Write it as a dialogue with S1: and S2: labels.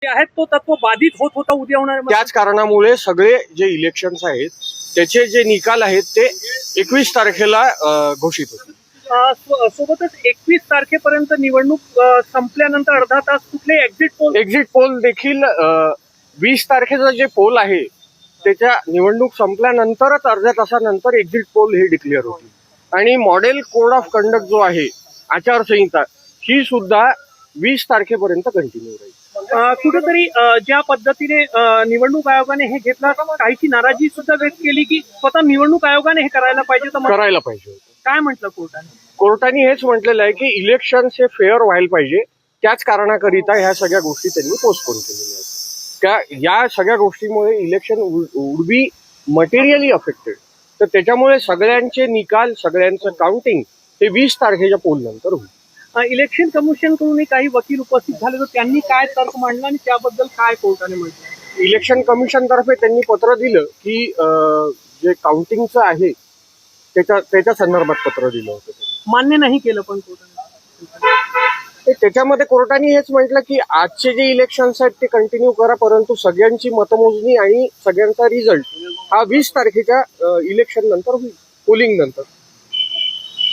S1: आहेत तो तत्व बाधित होत होता उद्या होणार.
S2: त्याच कारणामुळे सगळे जे इलेक्शन्स आहेत त्याचे जे निकाल आहेत ते 21 तारखेला घोषित होतील.
S1: सोबतच 21 तारखेपर्यंत निवडणूक संपल्यानंतर अर्धा तास कुठले
S2: एक्झिट पोल देखील 20 तारखेचा जे पोल आहे त्याच्या निवडणूक संपल्यानंतरच अर्ध्या तासानंतर एक्झिट पोल हे डिक्लेअर होतील. आणि मॉडेल कोड ऑफ कंडक्ट जो आहे आचारसंहिता ही सुद्धा 20 तारखेपर्यंत कंटिन्यू राहील.
S1: कुठेतरी ज्या पद्धतीने निवडणूक आयोगाने हे घेतला काहीची नाराजी सुद्धा व्यक्त केली की स्वतः निवडणूक आयोगाने हे करायला पाहिजे
S2: करायला पाहिजे.
S1: काय म्हटलं कोर्टाने?
S2: कोर्टाने हेच म्हटलेलं आहे की इलेक्शन हे फेअर व्हायला पाहिजे. त्याच कारणाकरिता ह्या सगळ्या गोष्टी त्यांनी पोस्टपोन केलेल्या आहेत. या सगळ्या गोष्टीमुळे election would be materially affected. तर त्याच्यामुळे सगळ्यांचे निकाल सगळ्यांचं काउंटिंग हे 20 तारखेच्या पोल नंतर होईल.
S1: इलेक्शन कमिशन कडून काही वकील उपस्थित झाले तर त्यांनी काय तर्क मांडला आणि त्याबद्दल काय कोर्टाने म्हटलं?
S2: इलेक्शन कमिशन तर्फे त्यांनी पत्र दिलं की जे काउंटिंगचं आहे त्याच्या संदर्भात पत्र दिलं होतं.
S1: मान्य नाही केलं पण कोर्टाने.
S2: त्याच्यामध्ये कोर्टाने हेच म्हटलं की आजचे जे इलेक्शन्स आहेत ते कंटिन्यू करा, परंतु सगळ्यांची मतमोजणी आणि सगळ्यांचा रिझल्ट हा 20 तारखेच्या इलेक्शन नंतर होईल, पोलिंग नंतर.